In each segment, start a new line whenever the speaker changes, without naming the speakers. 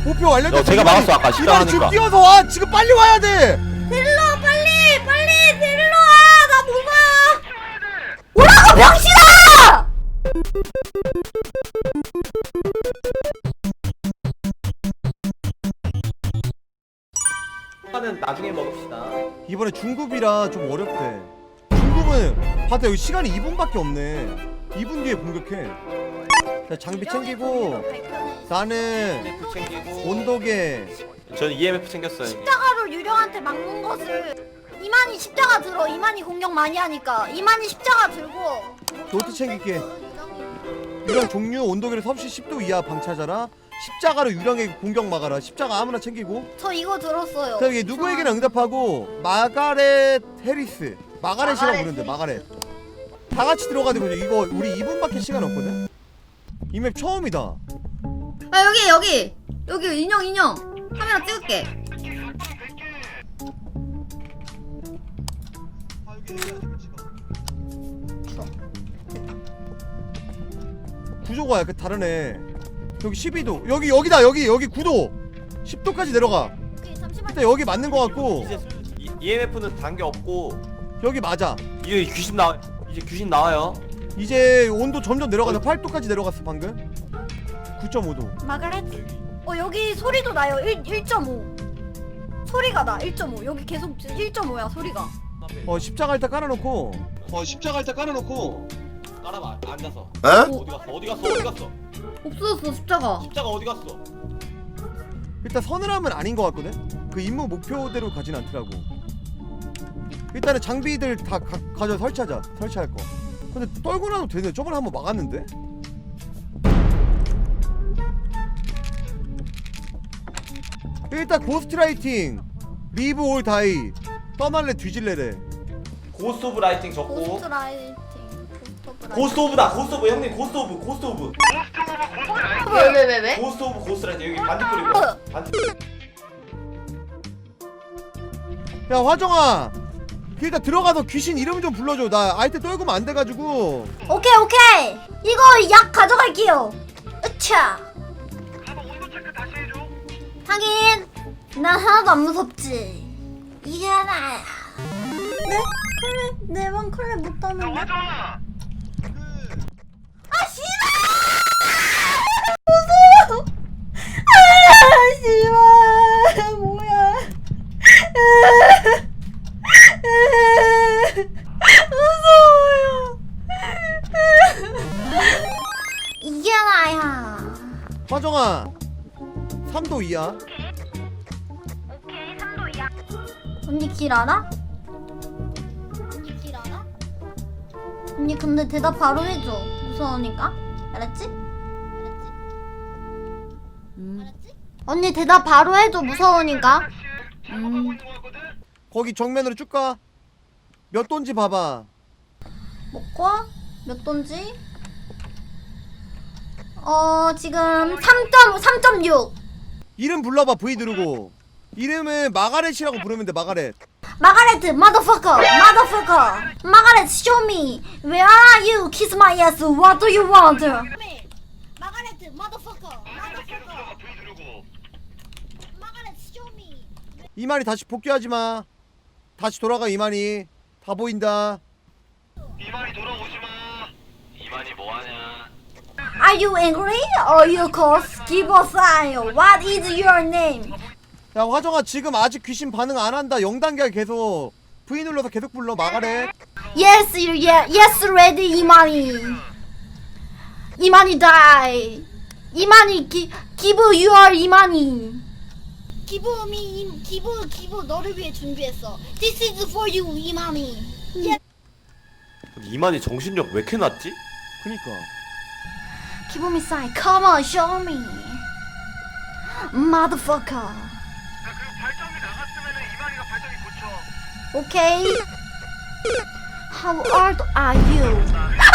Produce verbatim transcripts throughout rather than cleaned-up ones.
목표 완료됐어.
야, 제가 막았어, 아까 십자가
이만 지금
하니까.
뛰어서 와. 지금 빨리 와야 돼.
데릴러 빨리 빨리 데릴러 와. 나 못 와. 오라고 병신아.
는 나중에 먹읍시다.
이번에 중급이라 좀 어렵대. 중급은 봤다 여기 시간이 이 분밖에 없네. 이 분 뒤에 공격해. 자, 장비 챙기고 나는
이엠에프 챙기고
온도계.
저는 이엠에프 챙겼어요.
십자가로 유령한테 막는 것을 이만희 십자가 들어. 이만희 공격 많이 하니까 이만희 십자가 들고
노트 챙길게. 유령 종류 온도계를 섭씨 십 도 이하 방치하자라. 십자가로 유령에게 공격 막아라. 십자가 아무나 챙기고.
저 이거 들었어요.
자, 이게 누구에게나 응답하고 마가렛 해리스. 마가렛이라고
마가렛
부르는데 마가렛. 다 같이 들어가지고 이거 우리 이 분밖에 시간 없거든. 이 맵 처음이다.
아 여기 여기 여기 인형 인형 카메라 찍을게.
구조가 약간 다르네. 여기 십이 도. 여기 여기다. 여기 여기 구 도. 십 도까지 내려가.
오케이, 잠시만요.
일단 여기 맞는 거 같고.
이제 이엠에프는 단계 없고
여기 맞아.
이제 귀신 나 이제 귀신 나와요.
이제 온도 점점 내려가서 팔 도까지 내려갔어 방금. 구 점 오 도.
마가렛. 어 여기 소리도 나요. 일 점 오. 소리가 나. 일 점 오. 여기 계속 일 점 오야 소리가.
어 십자가 일단 깔아놓고.
어 십자가 일단 깔아놓고
깔아봐 앉아서.
에?
어디 갔어? 어디 갔어? 어디 갔어?
없어졌어 십자가.
십자가 어디 갔어?
일단 서늘함은 아닌 것 같거든. 그 임무 목표대로 가진 않더라고. 일단은 장비들 다 가, 가져 설치하자. 설치할 거. 근데 떨고 나도 되네. 저번에 한번 막았는데. 일단 고스트라이팅, 리브 올 다이, 떠날래 뒤질래래.
고스트 오브 라이팅 적고.
고스트 라이팅. 고스트 오브 라이팅.
고스트 오브다. 고스트 오브 형님 고스트 오브 고스트 오브.
왜 왜 왜 왜?
고스트 오브 고스트 라이팅 여기 반딧불이고. 반딧불.
야 화정아, 일단 들어가서 귀신 이름 좀 불러줘. 나 아이템 떨구면 안 돼가지고.
오케이 오케이. 이거 약 가져갈게요. 으차. 하긴 난 하나도 안 무섭지. 이게 하나야. 네? 컬레 내방 컬레 못 따는데. 아 씨발! 무서워. 아 씨발 뭐야? 무서워요. 이게 나야.
화정아, 삼 도 이하.
언니 길 알아? 언니 길 알아? 언니 근데 대답 바로 해줘. 무서우니까. 알았지? 알았지? 음. 알았지? 언니 대답 바로 해줘. 무서우니까. 음.
거기 정면으로 쭉 가. 몇 돈지 봐봐.
먹고 몇 돈지? 어 지금 삼 점 육.
이름 불러봐. V 누르고. 이름은 마가렛이라고 부르면 돼. 마가렛.
마가렛 motherfucker motherfucker 마가렛 show me where are you kiss my ass what do you want 마가렛 motherfucker motherfucker 마가렛 show me
이만희 다시 복귀하지 마. 다시 돌아가. 이만희 다 보인다.
이만희 돌아오지 마. 이만희 뭐 하냐?
Are you angry or you course give a sign what is your name
야 화정아, 지금 아직 귀신 반응 안 한다. 영 단계야 계속. V 눌러서 계속 불러. 마가렛.
Yes yeah yes ready 이만희 이만희 die 이만희 기, give your 이만희 give me give give 너를 위해 준비했어 This is for you 이만희 yes.
이만희 정신력 왜 이렇게 낮지?
그니까.
Give me sign come on show me motherfucker
발전기 나갔으면은 이만희가 발전기 고쳐.
Okay How old are you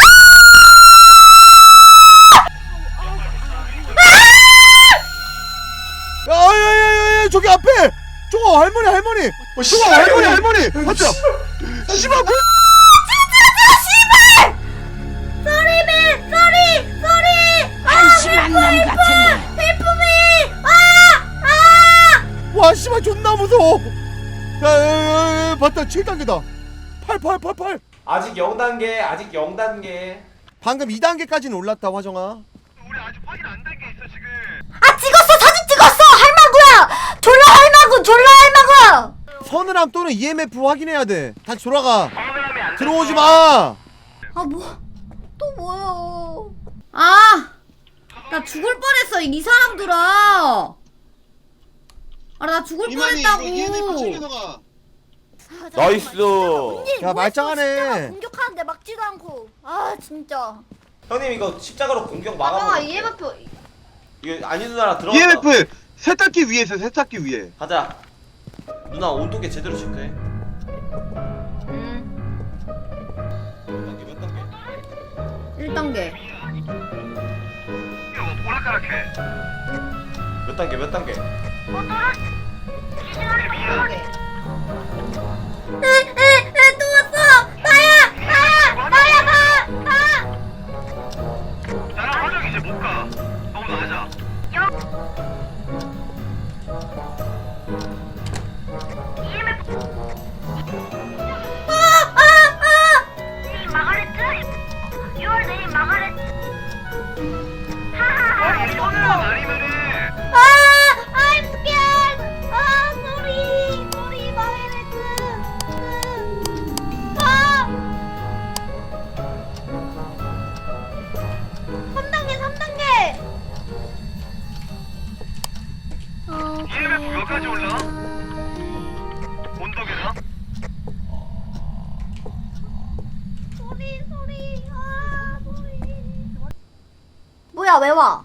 야야야야야, 저기 앞에 저거 할머니 할머니. 저거 할머니 할머니. 맞죠? 씨발 뭐?
Sorry man sorry sorry 아
심한 놈 같은데.
헬프미 아
와 씨발 존나 무서워. 야야야 봤다 칠 단계다. 팔 팔 팔 팔.
아직 영 단계 아직 영 단계.
방금 이 단계까지는 올랐다 화정아.
우리 아직 확인 안 된 게 있어 지금.
아 찍었어 사진 찍었어 할망구야 졸라 할망구 졸라 할망구.
서늘함 또는 이엠에프 확인해야 돼. 다시 돌아가.
서늘함이 안
들어오지 마.
아 뭐 또 뭐야. 아 나 죽을 뻔했어 이 사람들아. 아 나 죽을 뻔했다고.
나이스.
야, 말짱하네.
공격하는데 막지도 않고. 아 진짜.
형님 이거 십자가로 공격
아까
막아볼게요.
이엠에프.
이거 아니 누나랑 들어가.
이엠에프 세탁기 위에 있어 세탁기 위에.
가자. 누나 온도계 제대로 체크해.
음.
몇 단계 몇 단계?
일 단계.
이거 오락가락해.
몇 단계 몇 단계?
에에에 또 왔어. 나야 나야 나야 나 나.
나랑 화정 이제 못 가. 너무 낮아. 아니 서늘함 아니면은
아, I'm scared. 아, sorry, sorry, 마이레트. 아, 삼 단계, 삼 단계. 아,
이엠에프 몇 가지 올라? 온도계나?
소리, 소리, 아, 소리. 뭐야, 왜 와?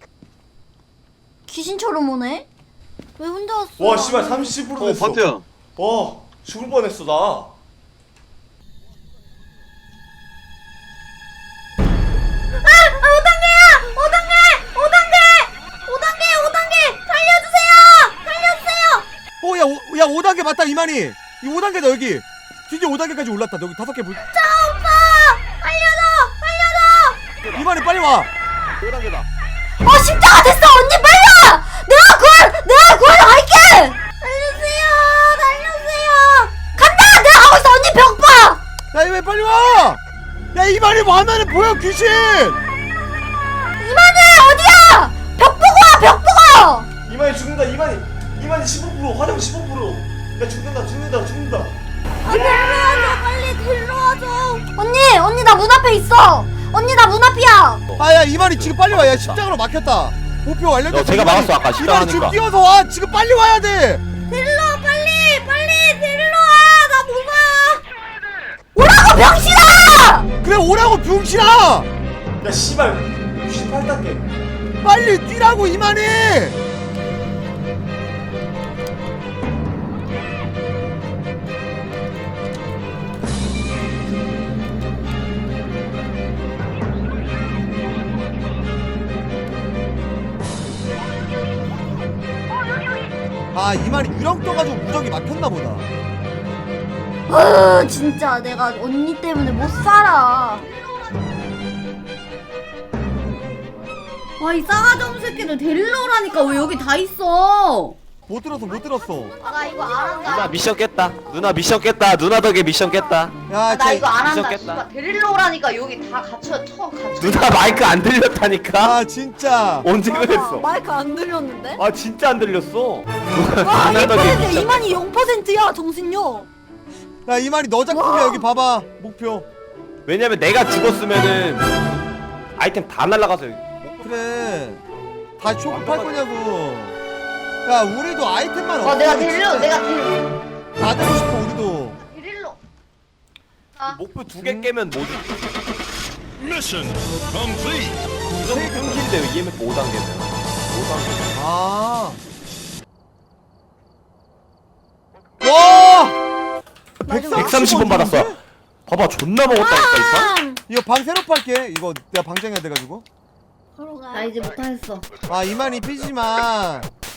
귀신처럼 오네? 왜 혼자 왔어?
와 씨발 삼십 퍼센트
어
됐어.
바트야.
와 죽을 뻔했어 나.
아, 오 단계야! 오 단계! 오 단계! 오 단계! 오 단계! 살려주세요! 살려주세요!
어, 야, 오, 야, 오 단계 맞다, 이만희. 이 오 단계다, 여기. 드디어 오 단계까지 올랐다. 여기 다섯 개 볼.
자, 오빠! 살려줘! 살려줘!
이만희, 빨리 와.
오 단계다.
어, 십자가 됐어! 언니 빨리 와! 내가 구할, 내가 구하러 갈게! 살려주세요! 살려주세요! 간다! 내가 가고 있어! 언니 벽 봐!
야, 이만희, 빨리 와. 야, 이만희 화면에 보여, 귀신.
이만해! 어디야! 벽 보고 와! 벽 보고!
이만희 죽는다 이만희. 이만희 십오 퍼센트 화장 십오 퍼센트. 야 죽는다 죽는다 죽는다.
아, 데려와줘! 빨리 데려와줘! 언니! 언니 나 문 앞에 있어! 언니 나 문 앞이야!
아, 야, 이만희 지금 빨리 와. 야, 십자가로 막혔다. 목표 완료됐어.
야, 제가
이만희,
막았어, 아까 십자가
이만희 지금
하니까.
뛰어서 와. 지금 빨리 와야 돼.
데리러 와 빨리! 빨리 데리러 와! 나 못 와! 오라고 병신아!
그래, 오라고, 병신아.
야 씨발 육십팔 단계.
빨리 뛰라고, 이만희. 아, 이만희 유령 떠가지고 무적이 막혔나 보다.
어 진짜 내가 언니 때문에 못 살아. 와 이 싸가지 없는 새끼들 데리러 오라니까 왜 여기 다 있어?
못 들었어, 못 들었어.
아 나 이거 안
누나
한다.
미션 깼다. 누나 미션 깼다. 누나 덕에 미션 깼다.
야,
아, 나
쟤-
이거 안 한다.
미쳤겠다.
씨발 데리러 오라니까 여기 다 갖춰 처음 갖춰.
누나 마이크 안 들렸다니까.
아, 진짜.
언제 그랬어?
마이크 안 들렸는데?
아 진짜 안 들렸어.
와
누나 덕에
일 퍼센트
미션.
이만이 영 퍼센트야 정신요.
야, 이만희 너 작품이야. 여기 봐봐. 목표.
왜냐면 내가 죽었으면은 아이템 다 날라가서 여기.
그래. 다 쇼크 팔 거냐고. 야, 우리도 아이템만
어 내가
없으면
데리러
진짜
내가 데리러
받고 싶어, 우리도.
데리러.
목표 두 개 깨면 뭐지?
Mission complete.
이거 끊긴데요. 이엠에프 오 단계면. 오 단계.
아. 와!
백삼십 원 받았어. 봐봐 존나 먹었다니까 이 판.
이거 방 새로 팔게. 이거 내가 방장해야 돼가지고.
나 이제 못하겠어.
아, 이만희 삐지마.